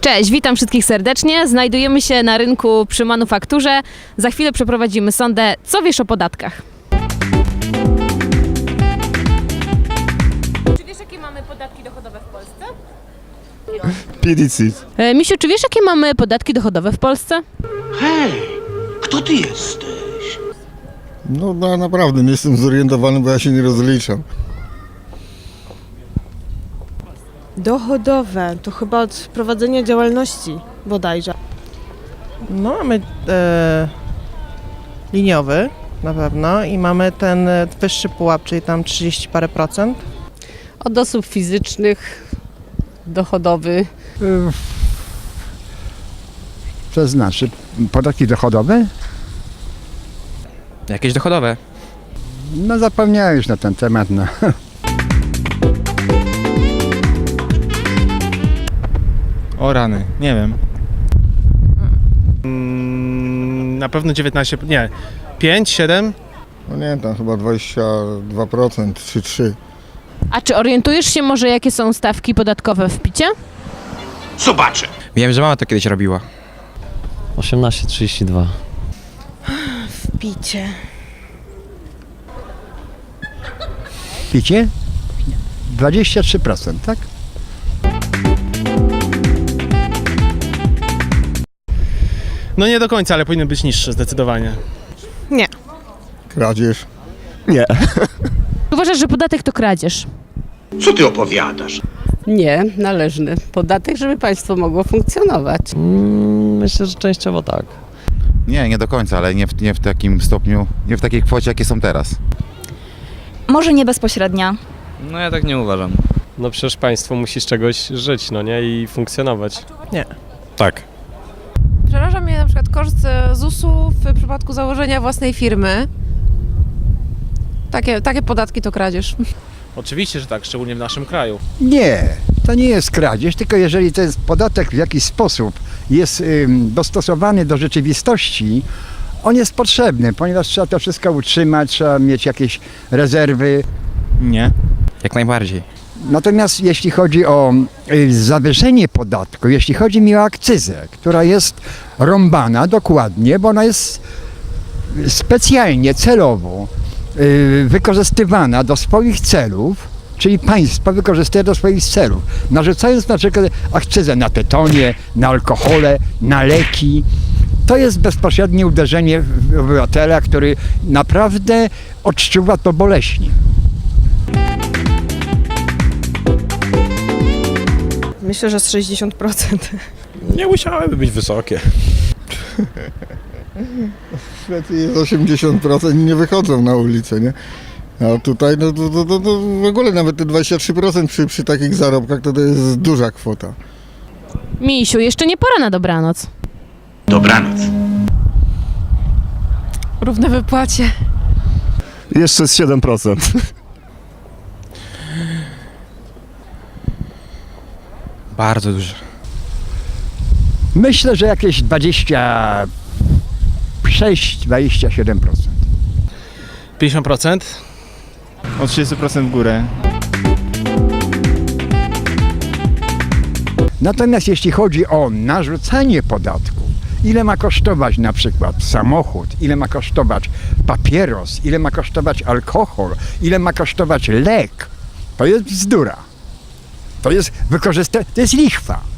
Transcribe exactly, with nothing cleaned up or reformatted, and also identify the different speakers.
Speaker 1: Cześć, witam wszystkich serdecznie. Znajdujemy się na rynku przy manufakturze. Za chwilę przeprowadzimy sondę. Co wiesz o podatkach? Czy wiesz, jakie mamy podatki dochodowe w Polsce?
Speaker 2: P D C.
Speaker 1: E, Misiu, czy wiesz, jakie mamy podatki dochodowe w Polsce?
Speaker 3: Hej, kto ty jesteś?
Speaker 2: No, no naprawdę nie jestem zorientowany, bo ja się nie rozliczam.
Speaker 4: Dochodowe, to chyba od prowadzenia działalności bodajże.
Speaker 5: No mamy e, liniowy na pewno i mamy ten e, wyższy pułap, czyli tam trzydzieści parę procent.
Speaker 6: Od osób fizycznych, dochodowy.
Speaker 7: To znaczy podatki dochodowe?
Speaker 8: Jakieś dochodowe.
Speaker 7: No zapomniałem już na ten temat. No.
Speaker 9: O rany, nie wiem. Na pewno dziewiętnaście, nie, pięć, siedem?
Speaker 2: No nie wiem, tam chyba dwadzieścia dwa procent czy trzy procent.
Speaker 1: A czy orientujesz się może, jakie są stawki podatkowe w picie?
Speaker 3: Zobaczę.
Speaker 8: Wiem, że mama to kiedyś robiła.
Speaker 10: osiemnaście trzydzieści dwa.
Speaker 4: Picie.
Speaker 7: Picie? dwadzieścia trzy procent, tak?
Speaker 9: No nie do końca, ale powinny być niższe zdecydowanie.
Speaker 4: Nie.
Speaker 2: Kradzież.
Speaker 1: Uważasz, że podatek to kradzież?
Speaker 3: Co ty opowiadasz?
Speaker 6: Nie, należny podatek, żeby państwo mogło funkcjonować.
Speaker 10: Mm, myślę, że częściowo tak.
Speaker 11: Nie, nie do końca, ale nie w, nie w takim stopniu, nie w takiej kwocie, jakie są teraz.
Speaker 12: Może nie bezpośrednia.
Speaker 8: No ja tak nie uważam.
Speaker 13: No przecież państwo musi z czegoś żyć, no nie? I funkcjonować.
Speaker 5: Nie.
Speaker 13: Tak.
Speaker 4: Przeraża mnie na przykład koszt z U S u w przypadku założenia własnej firmy. Takie, takie podatki to kradzież.
Speaker 9: Oczywiście, że tak, szczególnie w naszym kraju.
Speaker 7: Nie, to nie jest kradzież, tylko jeżeli ten podatek w jakiś sposób jest ym, dostosowany do rzeczywistości, on jest potrzebny, ponieważ trzeba to wszystko utrzymać, trzeba mieć jakieś rezerwy.
Speaker 9: Nie.
Speaker 8: Jak najbardziej.
Speaker 7: Natomiast jeśli chodzi o y, zawyżenie podatku, jeśli chodzi mi o akcyzę, która jest rąbana dokładnie, bo ona jest specjalnie, celowo y, wykorzystywana do swoich celów, czyli państwo wykorzystuje do swoich celów, narzucając na przykład akcyzę na tytonie, na alkohole, na leki. To jest bezpośrednie uderzenie w obywatela, który naprawdę odczuwa to boleśnie.
Speaker 4: Myślę, że z sześćdziesiąt procent.
Speaker 13: Nie musiałyby być wysokie.
Speaker 2: W Szwecji jest osiemdziesiąt procent i nie wychodzą na ulicę, nie? A tutaj no, to, to, to, to w ogóle nawet te dwadzieścia trzy procent przy, przy takich zarobkach to, to jest duża kwota.
Speaker 1: Misiu, jeszcze nie pora na dobranoc.
Speaker 3: Dobranoc.
Speaker 4: Równe wypłacie.
Speaker 13: Jeszcze z siedem procent.
Speaker 8: Bardzo duże.
Speaker 7: Myślę, że jakieś dwadzieścia sześć do dwudziestu siedmiu procent.
Speaker 9: pięćdziesiąt procent?
Speaker 13: O trzydzieści procent w górę.
Speaker 7: Natomiast jeśli chodzi o narzucanie podatku, ile ma kosztować na przykład samochód, ile ma kosztować papieros, ile ma kosztować alkohol, ile ma kosztować lek, to jest bzdura. To jest wykorzystanie, to jest lichwa.